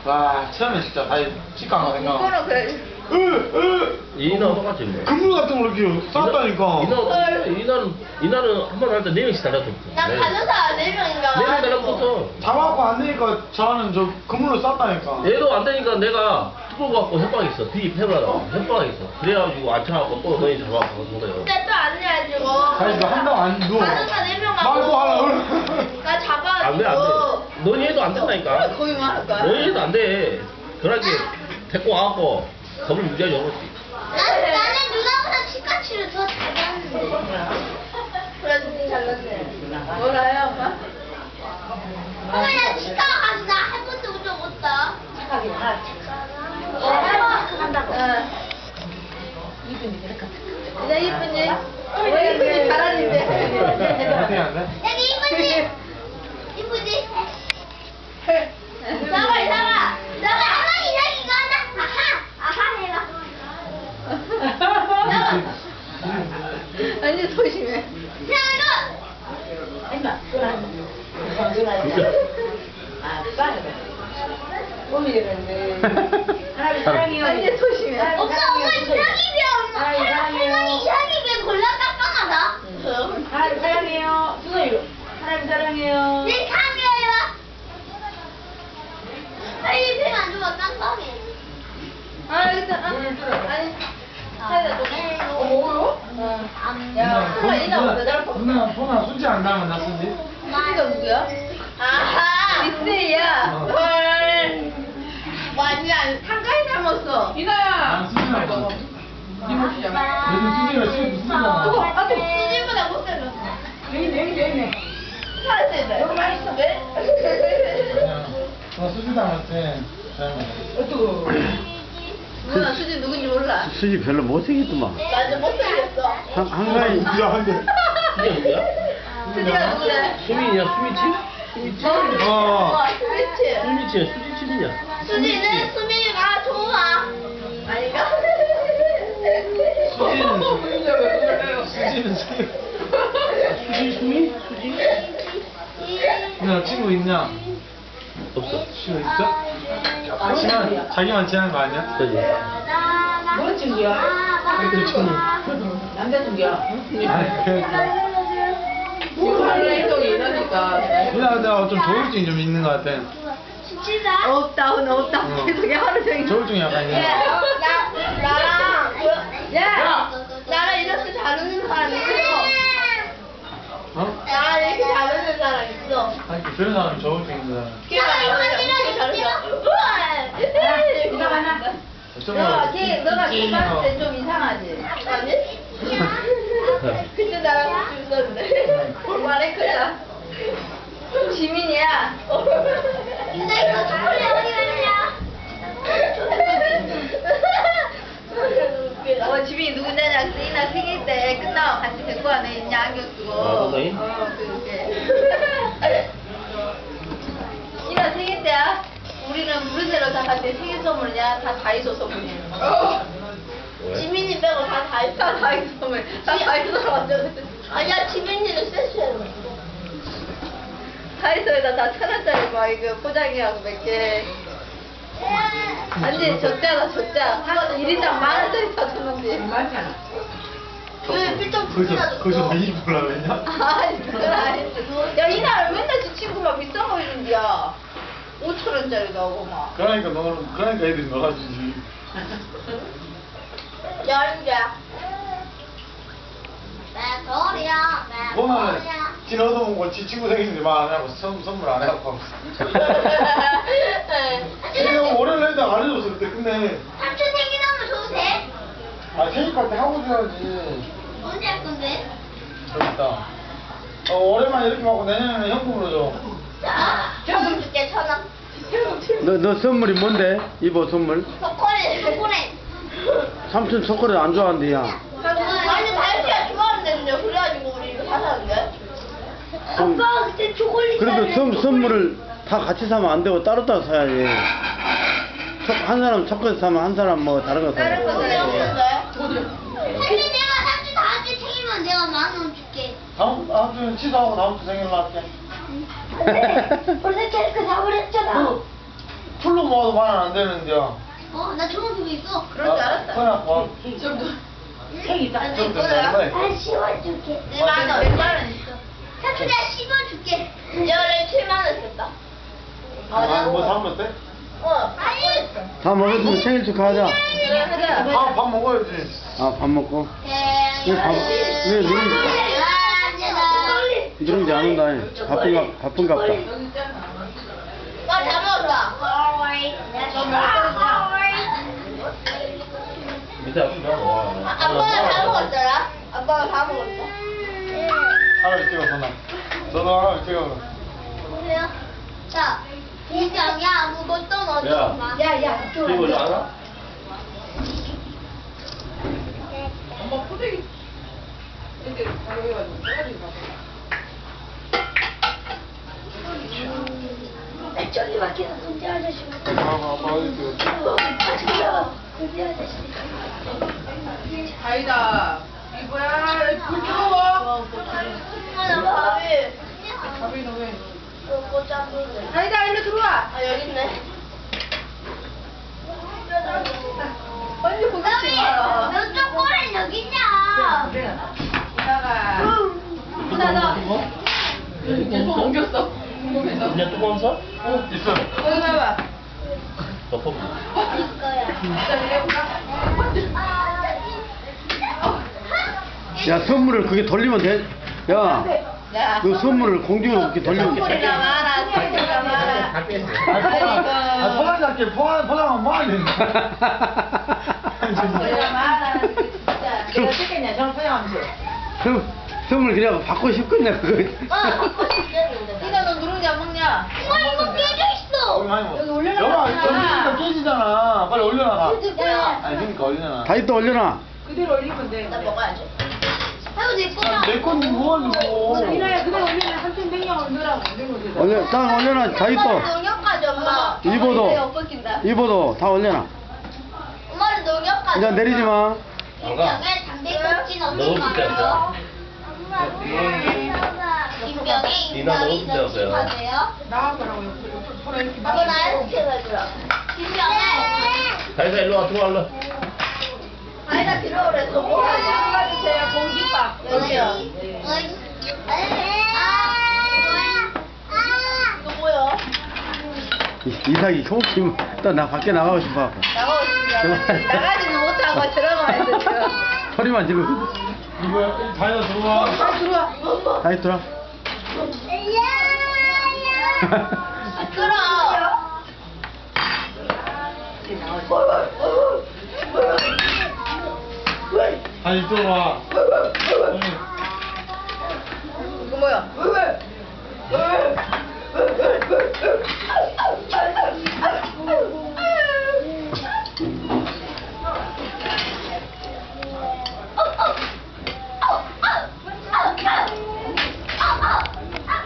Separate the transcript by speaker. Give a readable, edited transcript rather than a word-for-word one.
Speaker 1: 와, 처음에 진짜 다시 직감가 생각.
Speaker 2: 그거는 그래.
Speaker 3: 이나 똑같지 뭐.
Speaker 1: 그물 같은 걸 이렇게 쌌다니까.
Speaker 3: 이나는 한 번 할 때 4명씩 달라붙었어.
Speaker 4: 난 가져사 4명인가
Speaker 3: 4명 달라붙었어.
Speaker 1: 잡아갖고 안 되니까 저는 저 그물로 쌌다니까.
Speaker 3: 얘도 안 되니까 내가 뚜껑 갖고 협박 있어. 비입해보라고 협박 있어. 그래가지고 안 차갖고 또 너희 잡아갖고 한 거예요.
Speaker 4: 근데 또 안 해가지고
Speaker 1: 아니 그 한다고 안 누워.
Speaker 4: 가져사 4명
Speaker 1: 말도 하려고.
Speaker 4: 나
Speaker 3: 안 돼, 안 돼.
Speaker 4: 잡아가지고
Speaker 3: 너희 해도 안 된다니까.
Speaker 2: 거의 말할 거야.
Speaker 3: 너희 해도 안 돼. 그러게 데리고 와갖고 겁을 무지하게 먹었지.
Speaker 4: 나는 누나보다 치카치를 더 잘하는데 그래도 니 잘났네
Speaker 2: 몰라요, 엄마?
Speaker 4: 엄마 나 치과 가서 나 한 번도 운전 못다
Speaker 5: 착하게 다 한다고. 이분이 그렇게.
Speaker 2: 그냥 이쁜지? 왜 이쁜지 잘하는데.
Speaker 1: 어떻게 안 돼?
Speaker 4: 여기 이쁘지? 이쁘지? 나가 이상아 나가 한번 이상 이거 한다 아하 해봐
Speaker 2: 아니, 조심해.
Speaker 4: 나가
Speaker 5: 아니면 아, 빨리. 몸이 되는데. 하나님 사랑해요.
Speaker 2: 아니, 조심해.
Speaker 4: 엄마 엄마 이상입이야 엄마 할머니 이상입이 골라 깜깜하다
Speaker 5: 하나님 사랑해요. 수고해요. 하나님 사랑해요.
Speaker 4: 내 상이에요 빨리 펜안 줘봐 깜깜해
Speaker 2: 아, 일단, 아니. 사이다 좀.
Speaker 5: 뭐요?
Speaker 2: 야, 설마 이나 오늘 날 봐.
Speaker 1: 누나 보나 순지 안 닮은 나 순지?
Speaker 2: 수지가 누구야?
Speaker 4: 아하
Speaker 2: 미스이야.
Speaker 1: 어.
Speaker 2: 헐. 완전 한가위 닮았어.
Speaker 1: 난 순지 닮았어. 요즘 순지가 지금 순지잖아.
Speaker 4: 수지보다 못생겼어
Speaker 5: 여기.
Speaker 2: 살았어,
Speaker 5: 너무 맛있어.
Speaker 2: 왜?
Speaker 1: 나 순지 닮았지.
Speaker 5: 어떡해.
Speaker 2: 누나 수지 누군지 몰라.
Speaker 3: 수지 별로 못생겼더만.
Speaker 2: 완전 못생겼어.
Speaker 3: 한가위.
Speaker 1: 미안한데.
Speaker 3: 수지가 누구야?
Speaker 2: 수지가 누구래?
Speaker 3: 수민이야, 수미치? 수미치?
Speaker 1: 어.
Speaker 2: 스위치.
Speaker 3: 수미치야, 수지치이냐?
Speaker 4: 수지는 수미가 좋아
Speaker 2: 아닌가?
Speaker 1: 수지는 수지.
Speaker 3: 수미? 수지?
Speaker 1: 누나 친구 있냐?
Speaker 3: 없어.
Speaker 1: 친구 있어? 자기만 지하는 거 아니야?
Speaker 3: 그지?
Speaker 5: 뭐 친구야?
Speaker 1: 그때 친구.
Speaker 5: 남자 친구야?
Speaker 1: 아니 그래.
Speaker 2: 원래 행동이 이러니까.
Speaker 1: 누나 내가 좀 조울증이 좀 있는 것 같아.
Speaker 4: 진짜
Speaker 2: 없다, 오늘 없다.
Speaker 1: 어.
Speaker 2: 계속 하루 종일.
Speaker 1: 조울증이 약간 있는 것 같아.
Speaker 4: 나랑 이렇게 잘 웃는 사람 있어
Speaker 1: 어?
Speaker 4: 나랑 이렇게 잘 웃는 사람 있어
Speaker 1: 아니 그런 사람이 조울증 있는 사람.
Speaker 5: 이거 하나.
Speaker 2: 너가 걔 봤을 때 좀 이상하지?
Speaker 4: 아니?
Speaker 2: 그때 나랑 같이 있었는데. 말했거든. 지민이야.
Speaker 4: 근데 이거 초콜릿 어디 갔냐?
Speaker 2: 지민이 누구냐냐? 이나 생일 때 끝나고 같이 데리고 와네. 있냐? 안경 쓰고.
Speaker 3: 아, 선생님?
Speaker 2: 그렇게. 이나 생일 때야. 우리는 무르대로 다 같이 생일 선물이야. 다 다이소 선물이야.
Speaker 3: 왜?
Speaker 4: 지민이 빼고 다 다이소
Speaker 2: 다 다이소 선물. 다 다이소로 완전.
Speaker 4: 아니야 지민이는 세수해
Speaker 2: 다이소에다 다 1,000원짜리 막 이거 포장해하고 몇 개. 완전 줬잖아, 줬자. 한 1인당 10,000원짜리 사줬는데.
Speaker 5: 많잖아.
Speaker 4: 왜 필통
Speaker 1: 거기서
Speaker 4: 줬어?
Speaker 1: 왜 입으려고 했냐?
Speaker 2: 아니, 그건 아닌데. 야, 이날 맨날 지 친구 막 비싼 거 해준디야. 5,000원짜리도 하고 막.
Speaker 1: 그러니까 애들이 너가 주지.
Speaker 4: 열자 내 소리야 내
Speaker 1: 보면은
Speaker 4: 소리야
Speaker 1: 지 얻어먹고 지 친구 생일인데 말 안 하고 선물 안 해갖고. 지금 월요일 날도 안 해줬어 그때. 근데
Speaker 4: 삼촌 생일하면 줘도 돼?
Speaker 1: 아 생일 파티 하고 줘야지.
Speaker 4: 언제 할 건데?
Speaker 1: 저기 있다. 올해만 이렇게 하고 내년에는 현금으로 줘.
Speaker 4: 자, 천원 줄게 1,000원
Speaker 6: 너 선물이 뭔데? 이보 선물?
Speaker 4: 초콜릿
Speaker 6: 삼촌 초콜릿 안 좋아한대 야.
Speaker 4: 아니 다이어트가 좋아하는데 그래가지고 우리 이거 사사는데 아빠 그때 초콜릿
Speaker 6: 그래도 선물을 다 같이 사면 안 되고 따로따로 사야지. 한 사람 초콜릿 사면 한 사람 뭐 다른 거
Speaker 2: 다른 거
Speaker 6: 사야지.
Speaker 2: 사야지.
Speaker 4: 근데 내가 삼촌 다음 주 생일만 내가 10,000원 줄게
Speaker 1: 다음 주에 취소하고 다음 주 생일로 할게.
Speaker 4: 안돼 벌써 케이크 다 버렸잖아
Speaker 1: 술로 먹어도 만 원 안 되는데요.
Speaker 4: 나 초등학교 있어.
Speaker 2: 그럴 줄 알았다.
Speaker 1: 그래갖고
Speaker 5: 책 있다.
Speaker 1: 좀
Speaker 4: 나 씌워줄게.
Speaker 2: 내 만원. 100만 있어.
Speaker 4: 사투리 씌워줄게. 연애 7만 원 썼다.
Speaker 1: 뭐 사면 돼?
Speaker 4: 아니.
Speaker 6: 다 먹었으면 생일 축하하자.
Speaker 2: 그래, 하자.
Speaker 1: 밥 먹어야지.
Speaker 6: 아, 밥 먹고. 왜 누룽지 안 온다. 바쁜가 보다.
Speaker 4: 다 먹었다.
Speaker 3: 밑에 앞에 뭐
Speaker 4: 아빠가 다 먹었더라. 아빠가 다 먹었어.
Speaker 1: 하나를 찍어서 나. 너도 하나를 찍어.
Speaker 4: 보세요. 자, 인정이 아무것도 넣지
Speaker 3: 야.
Speaker 4: 마.
Speaker 2: 야,
Speaker 3: 이거 좀 알아?
Speaker 5: 엄마 포대기. 이렇게 가져가지고 써가지고 가봐.
Speaker 4: 저기 밖에서 군대 아저씨.
Speaker 1: 아빠 어디 찍어?
Speaker 4: 군대 아저씨.
Speaker 5: 아니다. 이거야. 불 켜워.
Speaker 4: 하나 밥이.
Speaker 5: 밥이 너왜
Speaker 4: 꽃장군데.
Speaker 2: 아니다, 일로 들어와.
Speaker 4: 여기 있네.
Speaker 2: 언니 보겠지 마.
Speaker 4: 너 초콜릿 여기 있냐?
Speaker 2: 이따가. 이따가.
Speaker 5: 옮겼어. 궁금해서.
Speaker 3: 그냥 뚜껑 써?
Speaker 1: 있어.
Speaker 2: 여기 봐봐.
Speaker 3: 덮어.
Speaker 4: 이거야.
Speaker 6: 야, 선물을 그게 돌리면 돼? 야,
Speaker 2: 야.
Speaker 6: 그 선물을 공중으로 이렇게 돌리면 돼.
Speaker 2: 선물이나 많아, 선물이나 많아.
Speaker 3: 다 뺐어.
Speaker 1: 포장할게. 포장하면 뭐 하는
Speaker 2: 선물이나 많아. 진짜.
Speaker 5: 내가 찍겠냐? 저는 포장하면서.
Speaker 6: 선물 그냥 받고 싶겠네, 그거.
Speaker 2: 니가 너 누룽지 안 먹냐?
Speaker 4: 이거 깨져 있어.
Speaker 2: 여기 올려놔.
Speaker 1: 여봐, 점심니까 깨지잖아. 빨리 올려놔.
Speaker 4: 야,
Speaker 1: 아니, 그러니까 올려놔.
Speaker 6: 다시 또 올려놔.
Speaker 5: 그대로 올리면 돼.
Speaker 2: 나 먹어야지.
Speaker 4: 아이고 내 거야.
Speaker 1: 내 건데 뭐가지고.
Speaker 5: 이나야 그대로 올리면 한편 백령을 넣으라고 올리면 되잖아.
Speaker 6: 딱 올려놔. 다시 또.
Speaker 4: 농협까지 엄마.
Speaker 6: 입어도.
Speaker 2: 내가 엎어킨다.
Speaker 6: 입어도 다 올려놔.
Speaker 4: 엄마는 농협까지.
Speaker 6: 이제 내리지 마.
Speaker 3: 안 가.
Speaker 4: 담배 꺾진
Speaker 3: 너무
Speaker 4: 없는 거
Speaker 3: 비쌌어.
Speaker 4: 김병에
Speaker 3: 이나 너무
Speaker 4: 인삼이
Speaker 3: 비쌌어요.
Speaker 4: 넘치하세요.
Speaker 5: 나가라고 옆으로 서로 이렇게
Speaker 4: 아빠 나한테 시켜가지고. 김병에.
Speaker 3: 다이사 일로 와, 들어와, 일로.
Speaker 2: 아이가 들어오래서 먹어야지. 주세요, 공깃밥. 여기요. 이거 뭐야?
Speaker 6: 이삭이 혹시 또나 밖에 나가고 싶어.
Speaker 2: 나가고 싶냐? 나가지는 못하고 들어가야 돼, 지금.
Speaker 6: 소리만 지금.
Speaker 1: 이거 다이어 들어와.
Speaker 2: 빨리 들어와.
Speaker 6: 다시 들어.
Speaker 4: 시끄러.
Speaker 1: 다시 들어와.
Speaker 2: 이거 뭐야?